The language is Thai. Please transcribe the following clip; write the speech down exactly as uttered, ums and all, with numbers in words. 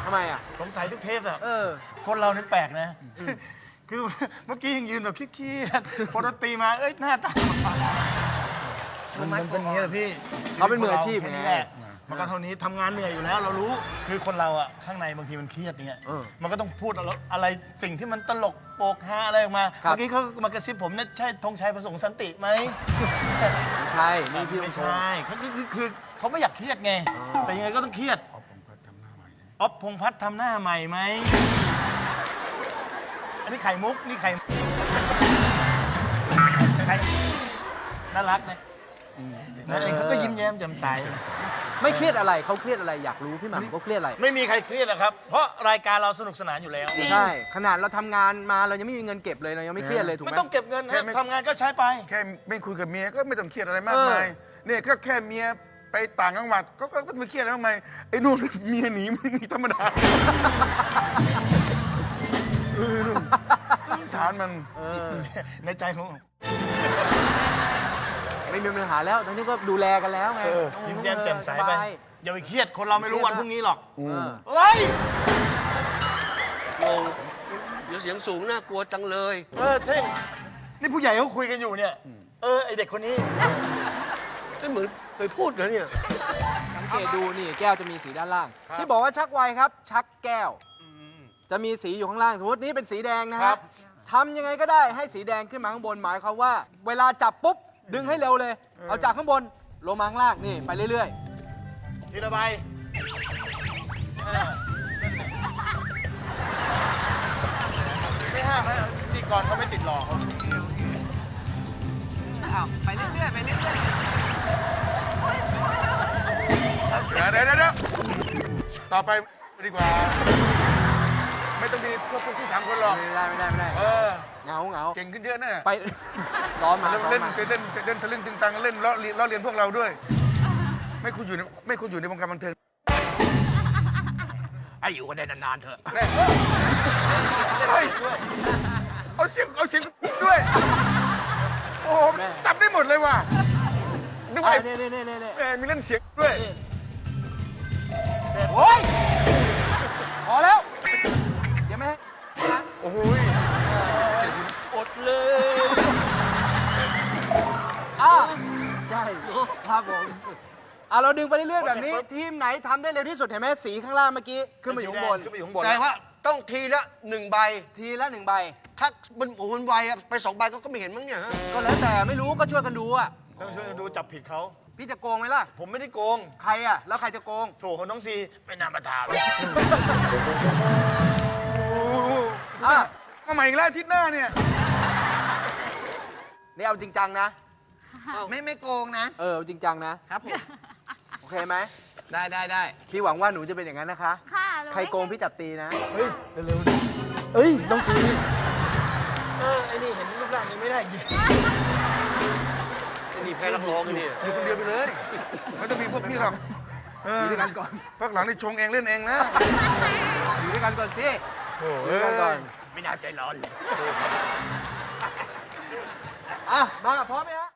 ทำไมอ่ะสงสัยทุกเทปอะเออคนเราเนี่ยแปลกนะคือเมื่อกี้ยังยืนแบบเครียดๆพอดนตรีมาเอ้ยหน้าตามันเป็นอย่างนี้แหละพี่เขาเป็นมืออาชีพแค่ไงนี้แหละมันก็เท่านี้ทำงานเหนื่อยอยู่แล้วเรารู้คือคนเราอะข้างในบางทีมันเครียดเนี่ยมันก็ต้องพูดอะไรสิ่งที่มันตลกโปกฮาอะไรออกมาเมื่อกี้เขามากระซิบผมเนี่ยใช่ธงชัยประสงค์สันติไหมใช่นี่พี่ไม่ใช่เขาคือคือคือเขาไม่อยากเครียดไงแต่ยังไงก็ต้องเครียดอ๊อฟพงษ์พัฒน์ทำหน้าใหม่ไหมอันนี้ไข่มุกนี่ไข่ไข่น่ารักนะนั่นเองเขาก็ยิ้มแย้มแจ่มใสไม่เครียดอะไรเขาเครียดอะไรอยากรู้พี่หม่ำเขาเครียดอะไรไม่มีใครเครียดหรอกครับ เพราะรายการเราสนุกสนานอยู่แล้วใช่ขนาดเราทำงานมาเรายังไม่มีเงินเก็บเลยเรายังไม่เครียดเลยถูกไหมไม่ต้องเก็บเงินฮะทำงานก็ใช้ไปแค่ไม่คุยกับเมียก็ไม่ต้องเครียดอะไรมากมายเนี่ยก็แค่เมียไปต่างจังหวัดก็ก็ไม่เครียดแล้วทำไมไอ้นู่นเมียหนีมึงนี่ธรรมดาเออสงสารมันในใจของไม่มีปัญหาแล้วตอนนี้ก็ดูแลกันแล้วไงยิ้มแย้มแจ่มใสไปอย่าไปเครียดคนเราไม่รู้วันพรุ่งนี้หรอกเฮ้ยงงเดี๋ยวเสียงสูงน่ากลัวจังเลยเออเท่งนี่ผู้ใหญ่เขาคุยกันอยู่เนี่ยเออไอเด็กคนนี้ไม่เหมือนเคยพูดนะเนี่ยสังเกตดูนี่แก้วจะมีสีด้านล่าง ที่บอกว่าชักไวครับ ชักแก้วจะมีสีอยู่ข้างล่างสมมตินี้เป็นสีแดงนะฮะทำยังไงก็ได้ให้สีแดงขึ้นมาข้างบนหมายความว่า เวลาจับปุ๊บดึงให้เร็วเลย เอาจากข้างบนลงมาข้างล่างนี่ไปเรื่อยๆทีละใบไม่ห้ามฮะที่ก่อนเขาไม่ติดหลอกเขาไปเรื่อยๆไปเรื่อยเดี๋ยวเดี๋ยวเดี๋ยวต่อไปดีกว่า ไม่ต้องมีพวกพวกพี่สามคนหรอกๆไม่ได้ไม่ได้ไม่ได้เออเหงาเหงาเก่งขึ้นเยอะนะไป ซ้อมมาซ้อมเล่นมาเล่นเล่นทะลึ่งตึงตังเล่นล้อเลียนล้อเลียนพวกเราด้วย ไม่คุณอยู่ในไม่คุณอยู่ในวงการบันเทิงไอ้อยู่กันได้นานๆเถอะเฮ้ยเอาเสียงเอาเสียงด้วย โอ้โหจำได้หมดเลยว่ะนึกว่านี่นี่นี่นี่นี่แหมมีเล่นเสียงด้วยโอ้ยพอแล้วเดี๋ยวไม่ให้นะโอ้โหอดเลยอ่ะใช่ครับผมอ่ะเราดึงไปเรื่อยๆแบบนี้ ทีมไหนทำได้เร็วที่สุดเห็นไหมสีข้างล่างเมื่อกี้ขึ้นมาอยู่ข้างบนขึ้นไปอยู่ข้างบนแต่ว่าต้องทีละหนึ่งใบทีละหนึ่งใบถ้ามันโอ้โหมันไวอะไปสองใบก็ก็ไม่เห็นมั้งเนี่ยฮะก็แล้วแต่ไม่รู้ก็ช่วยกันดูอ่ะต้องช่วยกันดูจับผิดเขาพี่จะโกงไหมล่ะผมไม่ได้โกงใครอ่ะ แล้วใครจะโกงโถของน้องซีไม่น่ามาถามอ่ะมาใหม่อีกแล้วอาทิตย์หน้าเนี่ยนี่เอาจริงจังนะไม่ไม่โกงนะเออเอาจริงจังนะครับผมโอเคไหมได้ได้ได้พี่หวังว่าหนูจะเป็นอย่างนั้นนะคะค่ะใครโกงพี่จับตีนะเฮ้ยเร็วๆเอ้ยน้องซีเออไอ้นี่เห็นรูปร่างนี้ไม่ได้จริงนี่แพ้นักร้องนี่อยู่คนเดียวไปเลยไม่ต้องมีพวกพี่หรอกเอออยู่ด้วยกันก่อนพักหลังนี่ชงเองเล่นเองนะอยู่ด้วยกันก่อนสิโอ้อยู่ด้วยกันก่อนไม่น่าใจร้อนเลยอ่ะ มาพร้อมไหมฮะ